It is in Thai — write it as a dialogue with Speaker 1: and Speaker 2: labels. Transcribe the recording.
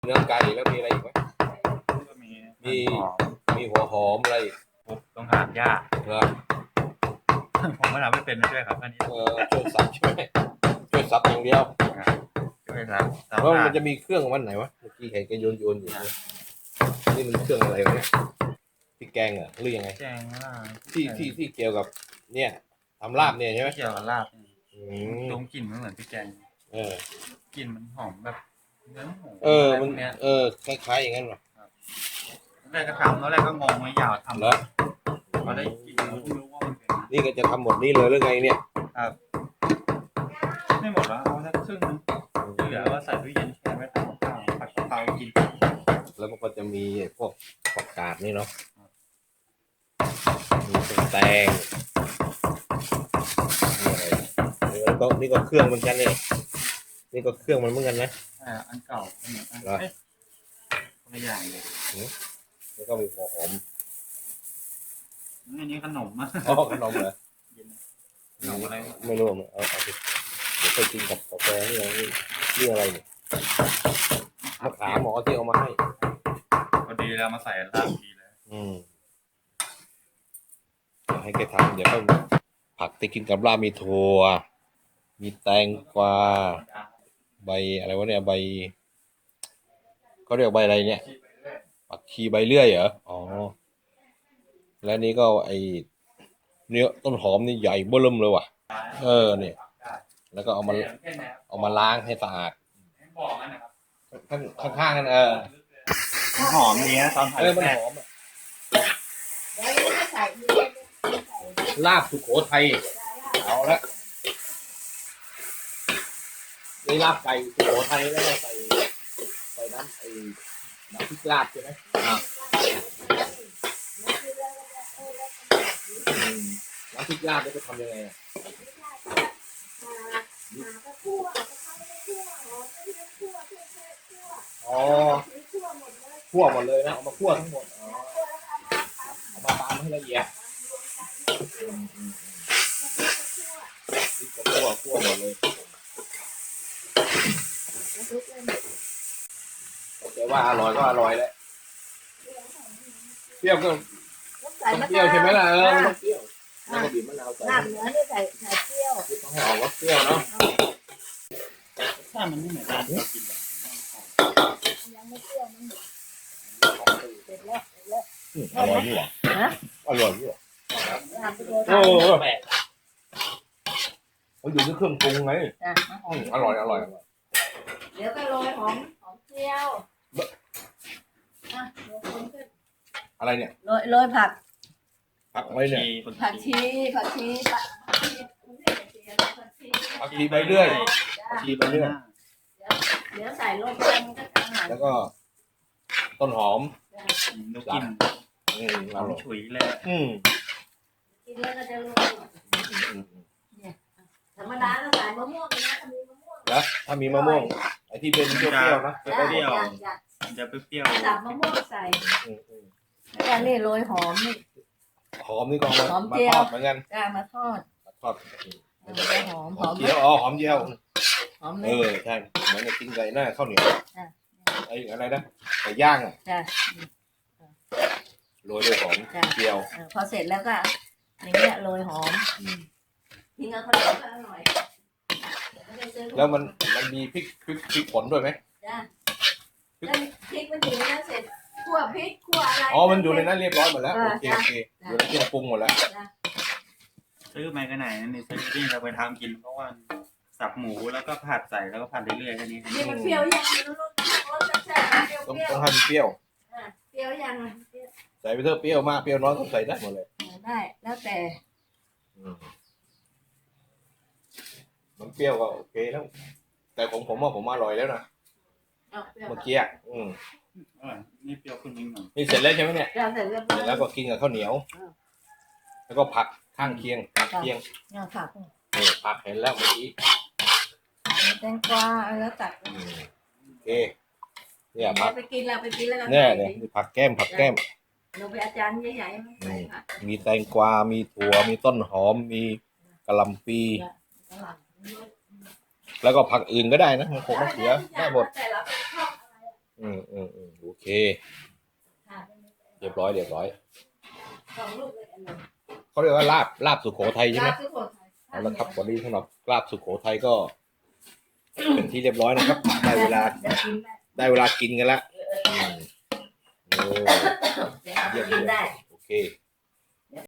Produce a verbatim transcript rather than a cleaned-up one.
Speaker 1: เนื้อไก่แล้วมีอะไรอีกไหม
Speaker 2: ก็มี
Speaker 1: มีมีหัวหอมอะไร
Speaker 2: ปุ๊บต้องหามยาก
Speaker 1: เหรอ
Speaker 2: ผมก็ทำไม่เป็นด้วยครับอันนี้
Speaker 1: เออช่วยสับช่วยช่วยสับอย่างเดียว
Speaker 2: ช่วยครับ
Speaker 1: แล้วมันจะมีเครื่องวันไหนวะเมื่อกี้เห็นกันโยนโยนอยู่นี่มันเครื่องอะไรวะเนี่ยที่แกงเหรอหรือยังไง
Speaker 2: แกงลาบ
Speaker 1: ที่ที่ที่เกี่ยวกับเนี่ยทำลาบเนี่ยใช่ไหม
Speaker 2: เกี่ยวกับลาบดมกลิ่นมันเหมือนพริกแกง
Speaker 1: เอ
Speaker 2: อกลิ่นมันหอมแบบเนื้อหมู
Speaker 1: เออมันเออคล้ายๆอย่างนั้นหรอ
Speaker 2: แรกก็ทำแล้วแรกก็งงไม่ยาวทำ
Speaker 1: แล้ว
Speaker 2: พอได้กินไม่รู้ว่ามันเป็น
Speaker 1: นี่ก็จะทำหมดนี้เลยหรือไงเนี่ย
Speaker 2: ครับไม่หมดแล้วเอาสักครึ่งนึงที่เหลือว่าใส่ตู้เย็นแช่ไว้ทำข้าวผัดกะเพรากิน
Speaker 1: แล้วมันก็จะมีพวกผักกาดนี่เนาะมีแตงนี่อะไรนี่ก็นี่ก็เครื่องเหมือนกันเนี่ยนี่ก็เครื่องมันเหมือนกันนะ
Speaker 2: อ่าอันเก่าอันเหมือนกันเอ๊ะคนละอย่างเลย
Speaker 1: แล้วก็มีหัวหอม
Speaker 2: อันนี้ขนมอ่ะ
Speaker 1: อ๋อขนมเหรอ
Speaker 2: ขนมอะไร
Speaker 1: ไม่รู้เอาเอาไปเดี๋ยวไปกินกับกาแฟนี่อะไรนี่อะไรเนี่ยมะขามหมอที่เอามาให้
Speaker 2: พอดีแล้วมาใส่ลาบดีเลย
Speaker 1: อืมเดี๋ยวให้แกทำเดี๋ยวก็ผักที่กินกับลาบมีถั่วมีแตงกวาใบอะไรวะเนี่ยใบเขาเรียกใบอะไรเนี่ยผักชีใบเลื่อยเหรออ๋อแล้วนี่ก็ไอเนื้อต้นหอมนี่ใหญ่เบ้อเริ่มเลยว่ะเออเนี่ยแล้วก็เอามาเอามาล้างให้สะอาดข้างข้างๆกันเออ
Speaker 2: หอมเนี้ยตอนผัด
Speaker 1: เออมันหอมอ่ะลาบสุโขทัยเอาละนี่ลาบไก่สุโขทัยแล้วก็ใส่ใส่น้ำไอ้น้ำพริกลาบใช่ไหมอ่าน้ำพริกลาบจะทำยังไงอ่ะอ๋อคั่วหมดเลยนะเอามาคั่วทั้งหมดอ๋อเอามาตามให้ละเอียดคั่วคั่วหมดเลยแต่ว่าอร่อยก็อร่อยแหละเปรี้ยวก็ต้องเปรี้ยวใช่ไหมล่ะเออมันต้องเปรี้ยวแล้วก็บีบมะนาวใส่
Speaker 3: น้ำเนื้อนี่ใส่ใส่เปรี้ยว
Speaker 1: ต้องให้ออกว่าเปรี้ยวเนาะ
Speaker 2: ถ้ามันไม่เหมือนกันกิน
Speaker 3: ยังไม่เปรี้ยวมันเสร็จแล้วเสร็จแล้ว
Speaker 1: อร่อยนี่หว่าอร่อยนี่หว่าโอ้แปลกมันอยู่ที่เครื่องปรุงไงอร่อยอร่อย
Speaker 3: เดี๋ยวก็โรยหอมหอมเจียว
Speaker 1: อะไรเนี่ย
Speaker 3: โรยโรยผัก
Speaker 1: ผักอะไรเนี่ย
Speaker 3: ผักชีผักชี
Speaker 1: ผักชีใบเลื่อยผักชีใบเลื่อย
Speaker 3: เดี๋ยวใส่ลงไปมันก็จะหาย
Speaker 1: แล้วก็ต้นหอม
Speaker 2: นกกิน
Speaker 1: อืมอร่อย
Speaker 2: ฉุยเลย
Speaker 1: อืม
Speaker 3: กินแล้วก็จะรู้ธรรมดาเราใส่มะม่วงนะถ้ามีมะม่วง
Speaker 1: นะถ้ามีมะม่วงไอ้ที่เป็นเปรี้ยวๆนะ
Speaker 2: เปรี้ยวมันจะเปรี้ยว
Speaker 3: จับมะม่วงใส่แล้วนี่โรยหอมนี่
Speaker 1: หอมนี่ก็มามาทอดเหมือนกัน
Speaker 3: จ้ามาทอด
Speaker 1: ทอด
Speaker 3: หอม
Speaker 1: หอมเจียวอ๋อหอมเจียว
Speaker 3: หอม
Speaker 1: เออใช่เหมือนจะกินไก่หน้าข้าวเหนียวไอ้อะไรนะไก่ย่างอ่ะโรยด้วยหอมเจียว
Speaker 3: พอเสร็จแล้วก็อย่างเงี้ยโรยหอมทิ้งเอาข้าวเหนียวก็อร่อย
Speaker 1: แล้วมันมันมีพริกพริกพริกผลด้วยไหม
Speaker 3: จ้าแล้วพริกมันอยู่ในนั้นเสร็จคั่วพริกคั่วอะไร
Speaker 1: อ๋อมันอยู่ในนั้นเรียบร้อยหมดแล้วโอเคโอเคอยู่ในเครื่องปรุงหมดแล้ว
Speaker 2: ซื้อมากันไหนนี่ซื้อที่เราไปทำกินเพราะว่าสับหมูแล้วก็ผัดใส่แล้วก็ผัดเรื่อยๆแค่นี้
Speaker 3: นี่มันเปรี้ยวยังรสรสแซ่บๆ
Speaker 1: ต้องต้องให้มันเปรี้ยว
Speaker 3: เปรี้ยวยัง
Speaker 1: ใส่ไปเถอะเปรี้ยวมากเปรี้ยวน้อยก็ใส่ได้หมดเลย
Speaker 3: ได้แล้วแต่
Speaker 1: มันเปรี้ยวก็โอเคแล้วแต่ผมผมว่าผมอร่อยแล้วนะเมื่อกี้อืม
Speaker 2: นี่เปรี้ยวขึ้นนิดหน่อย
Speaker 1: นี่เสร็จแล้วใช่ไหมเนี่ย
Speaker 3: เสร็จ
Speaker 1: แล้วก็กินกับข้าวเหนียวแล้วก็ผักข้างเคียงผักเคียง
Speaker 3: เนี่ยผัก
Speaker 1: นี่ผักเห็นแล้วเมื่อกี้
Speaker 3: แตงกวาแล้วตัด
Speaker 1: โอเคเนี่ยผัก
Speaker 3: ไปกินเราไปกินแล้ว
Speaker 1: เนี่ยเนี่ยผักแก้มผักแก้ม
Speaker 3: เราไปอาจารย์ใหญ่ๆ
Speaker 1: มีแตงกวามีถั่วมีต้นหอมมีกะหล่ำปีแล้วก็ผักอื่นก็ได้นะมันคงมะเขือได้หมดอืมอืมอืมโอเค เรียบร้อยเรียบร้อย
Speaker 3: สองลูกเลยอันนั้น
Speaker 1: เขาเรียกว่าลาบลาบสุโขทัยใช่ไหม
Speaker 3: ลาบสุโขทัย
Speaker 1: เอาละครับวันนี้สำหรับลาบสุโขทัยก็ เป็นที่เรียบร้อยนะครับ ได้เวลา
Speaker 3: เดี๋ยวกินได้
Speaker 1: ได้เวลากินกันละอืมโอ้
Speaker 3: เดี๋ยวกินได้
Speaker 1: โอเค